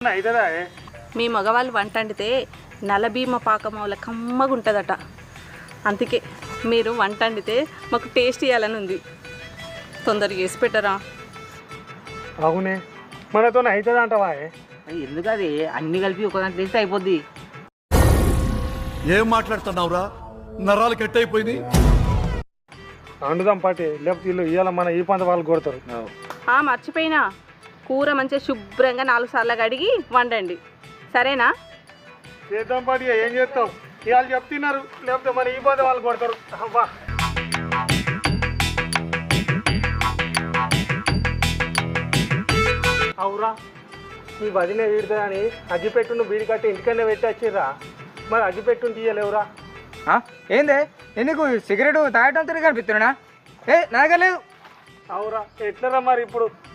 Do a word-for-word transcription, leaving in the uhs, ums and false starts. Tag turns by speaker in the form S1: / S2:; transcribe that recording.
S1: అవుతుందా?
S2: మీ మగవాళ్ళు వంట వండితే నలభీమ పాకమౌల కమ్మగా ఉంటుందట. అందుకే మీరు వంట వండితే మాకు టేస్ట్ ఇవ్వాలని ఉంది. తొందరగా చేసి పెట్టరా?
S1: అవునే, మనతో అవుతుంది అంటవా?
S3: ఎందుకు అది అన్ని కలిపి ఒకదాంట్లో వేస్తే అయిపోద్ది.
S4: ఏం మాట్లాడుతున్నావురా? నరాలు కట్ అయిపోయింది.
S1: వండుదాం పాటి, లేకపోతే వీళ్ళు ఇవాళ మన ఈ పంత వాళ్ళు కొడతారు.
S2: మర్చిపోయినా, కూర మంచిగా శుభ్రంగా నాలుగు సార్లు కడిగి వండండి, సరేనా?
S1: చేద్దాం పాటి, ఏం చేస్తాం? ఇవాళ చెప్తున్నారు, లేకపోతే మన ఈ పంత వాళ్ళు కొడతారు. అబ్బా, అవురా, మీ వదిలే వీడుతా అని అగ్గిపెట్టును బీడి కట్టి ఇంటికన్నా పెట్టి వచ్చిర్రా. మరి అగ్గిపెట్టును తీయలేవురా?
S5: ఏందే ఎందుకు సిగరెట్ తాగటం తిరిగి కనిపిస్తున్నా? ఏ నాగలేదు.
S1: అవురా, ఎట్లరా మరి ఇప్పుడు